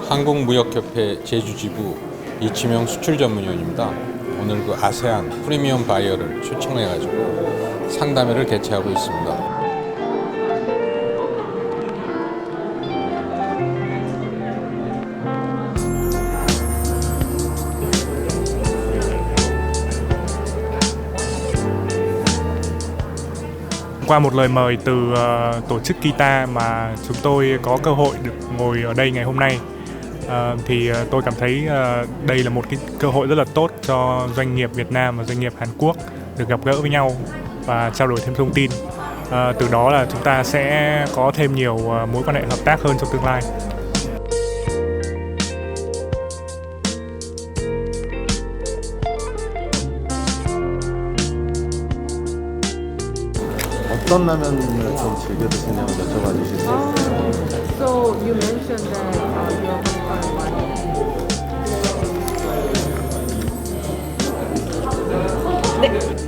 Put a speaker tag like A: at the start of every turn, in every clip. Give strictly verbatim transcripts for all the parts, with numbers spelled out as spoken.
A: 한국무역협회 제주지부 이치명 수출전문위원입니다. 오늘 그 아세안 프리미엄 바이어를 초청해가지고 상담회를 개최하고 있습니다.
B: Qua một lời mời từ uh, tổ chức Kita mà chúng tôi có cơ hội được ngồi ở đây ngày hôm nay, uh, thì uh, tôi cảm thấy uh, đây là một cái cơ hội rất là tốt cho doanh nghiệp Việt Nam và doanh nghiệp Hàn Quốc được gặp gỡ với nhau và trao đổi thêm thông tin. Uh, từ đó là chúng ta sẽ có thêm nhiều uh, mối quan hệ hợp tác hơn trong tương lai.
C: 어떤 라면을 좀 즐겨 드시냐고 여쭤봐 주실 수 있어요?
D: So you mentioned that uh, you are from Taiwan. 네.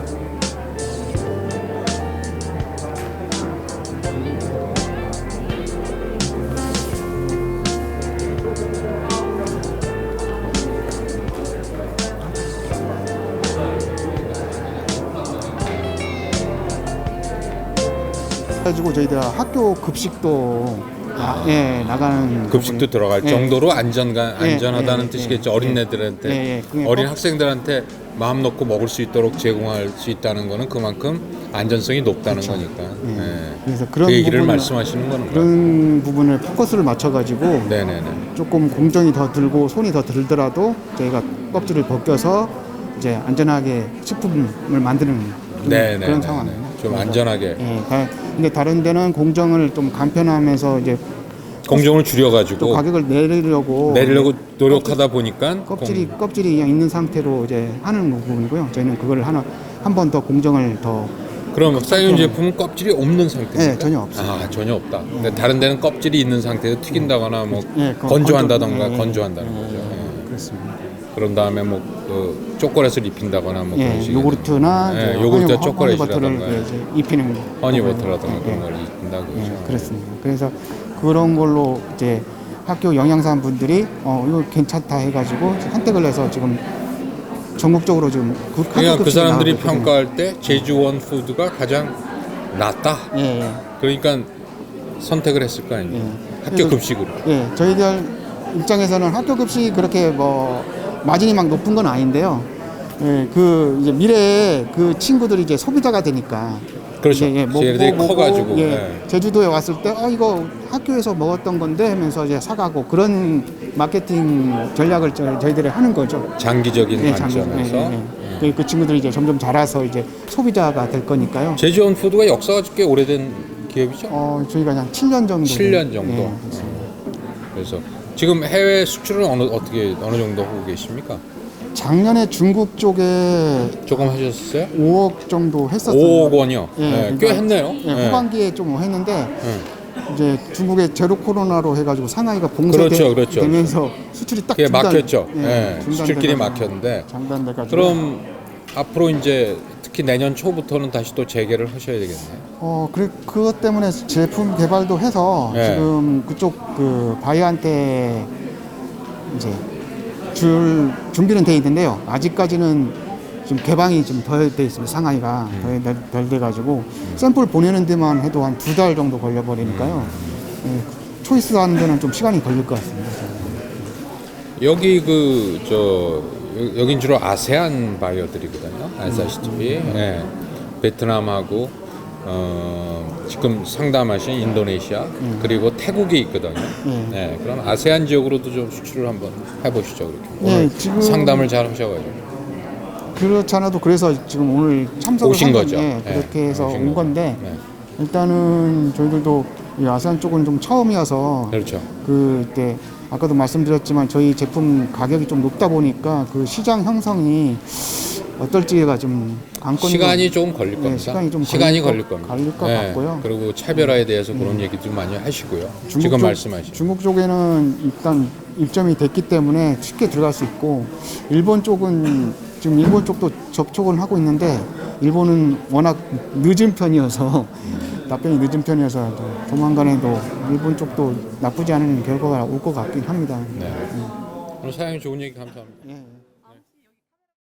E: 가지고 저희들 학교 급식도 나, 예, 나가는
A: 급식도
E: 부분이-
A: 들어갈
E: 예.
A: 정도로 안전가,
E: 예,
A: 안전하다는
E: 예,
A: 뜻이겠죠.
E: 예,
A: 어린애들한테
E: 예, 예. 그게
A: 어린
E: 꼭-
A: 학생들한테 마음 놓고 먹을 수 있도록 제공할 수 있다는 거는 그만큼 안전성이 높다는
E: 그렇죠.
A: 거니까.
E: 예.
A: 예.
E: 그래서 그런
A: 그 얘기를
E: 부분을-
A: 말씀하시는 거는 거예요.
E: 그런 부분을 포커스를 맞춰가지고
A: 네네네.
E: 조금 공정이 더 들고 손이 더 들더라도 저희가 껍질을 벗겨서 이제 안전하게 식품을 만드는 그런,
A: 네네.
E: 그런 상황이에요.
A: 좀
E: 그래서-
A: 안전하게
E: 예. 다- 근데 다른 데는 공정을 좀 간편하면서 이제
A: 공정을
E: 또
A: 줄여가지고
E: 가격을 내리려고
A: 내리려고 노력하다 보니까
E: 껍질이 껍질이 그냥 있는 상태로 이제 하는 부분이고요. 저희는 그걸 하나 한 번 더 공정을 더
A: 공- 그럼 사이온 제품은 껍질이 없는 상태입니까?
E: 네, 전혀 없어요.
A: 아 전혀 없다. 근데 다른 데는 껍질이 있는 상태에서 튀긴다거나 뭐
E: 예, 그
A: 건조한다던가
E: 건조- 예, 예,
A: 건조한다는
E: 예,
A: 거죠.
E: 예,
A: 예.
E: 그렇습니다.
A: 그런 다음에 뭐 그 초콜릿을 입힌다거나 뭐 그런
E: 예,
A: 식의
E: 요구르트나
A: 예,
E: 이제
A: 요구르트
E: 허니-
A: 초콜릿이라던가
E: 허니버터를 이제 입히는
A: 허니버터라던가
E: 예,
A: 그런
E: 예.
A: 걸 입힌다고
E: 예,
A: 그러죠.
E: 그렇습니다. 그래서 그런 걸로 이제 학교 영양사 분들이 어 이거 괜찮다 해가지고 선택을 해서 지금 전국적으로 지금 그 학교
A: 그러니까 그
E: 급식이
A: 사람들이
E: 나가거든요.
A: 평가할 때 제주원 푸드가 가장 낫다.
E: 예, 예.
A: 그러니까 선택을 했을 거 아닙니까?
E: 예.
A: 학교
E: 그래서-
A: 급식으로.
E: 예, 저희들 입장에서는 학교 급식이 그렇게 뭐 마진이 막 높은 건 아닌데요. 예, 그 이제 미래에 그 친구들이 이제 소비자가 되니까.
A: 그렇죠.
E: 이제 예, 먹고
A: 쟤들이
E: 먹고,
A: 커가지고,
E: 예,
A: 예.
E: 제주도에 왔을 때 어 이거 학교에서 먹었던 건데 하면서 이제 사가고 그런 마케팅 전략을 저, 저희들이 하는 거죠.
A: 장기적인
E: 예, 장기-
A: 관점에서
E: 예, 예, 예. 그, 그 친구들이 이제 점점 자라서 이제 소비자가 될 거니까요.
A: 제주원 푸드가 역사가 꽤 오래된 기업이죠.
E: 어, 저희가 한 칠 년 정도.
A: 칠 년 정도.
E: 예, 그렇습니다.
A: 그래서 지금 해외 수출은 어느 어떻게 어느 정도 하고 계십니까?
E: 작년에 중국 쪽에
A: 조금 하셨어요?
E: 오억 정도 했었어요.
A: 오억 원이요.
E: 예,
A: 네,
E: 그러니까
A: 꽤 했네요.
E: 예,
A: 네.
E: 후반기에 좀 했는데
A: 네.
E: 이제 중국의 제로 코로나로 해가지고 상하이가
A: 그렇죠, 그렇죠.
E: 봉쇄되면서 수출이 딱
A: 그게
E: 중단,
A: 막혔죠.
E: 예,
A: 예,
E: 중단돼가지고
A: 수출길이 막혔는데
E: 장단돼가지고
A: 그럼 앞으로 이제 특히 내년 초부터는 다시 또 재개를 하셔야 되겠네요.
E: 어 그래 그것 때문에 제품 개발도 해서
A: 예.
E: 지금 그쪽 그 바이오한테 이제 줄 준비는 돼 있는데요. 아직까지는 좀 개방이 좀 덜 돼 있습니다. 상하이가
A: 음.
E: 덜, 덜 돼가지고 샘플 보내는 데만 해도 한 두 달 정도 걸려버리니까요.
A: 음.
E: 예, 초이스 하는 데는 좀 시간이 걸릴 것 같습니다.
A: 여기 그 저 여긴 주로 아세안 바이어들이거든요. 아시다시피 예. 베트남하고 어, 지금 상담하신 인도네시아 그리고 태국이 있거든요.
E: 예.
A: 네, 그럼 아세안 지역으로도 좀 수출을 한번 해보시죠. 그렇게
E: 예,
A: 오늘
E: 지금-
A: 상담을 잘 하셔가지고
E: 그렇지 않아도 그래서 지금 오늘 참석을
A: 오신
E: 한 건-
A: 거죠.
E: 예,
A: 예,
E: 그렇게 해서
A: 오신
E: 온
A: 거죠.
E: 건데
A: 네.
E: 일단은 저희들도 이 아세안 쪽은 좀 처음이어서
A: 그렇죠.
E: 그때 아까도 말씀드렸지만 저희 제품 가격이 좀 높다 보니까 그 시장 형성이 어떨지가 좀 관건이
A: 시간이 좀 걸릴 겁니다.
E: 시간이 좀
A: 시간이
E: 걸릴
A: 걸릴
E: 것-
A: 겁니다.
E: 걸릴 것 같고요.
A: 그리고 차별화에 대해서 그런 얘기도 많이 하시고요.
E: 중국
A: 지금
E: 쪽-
A: 말씀하신
E: 중국 쪽에는 일단 입점이 됐기 때문에 쉽게 들어갈 수 있고 일본 쪽은 지금 일본 쪽도 접촉은 하고 있는데 일본은 워낙 늦은 편이어서 답변이 늦은 편이어서 좀 조만간에도 일본 쪽도 나쁘지 않은 결과가 올 것 같긴 합니다.
A: 네. 오늘 사장님 좋은 얘기 감사합니다.
E: 예.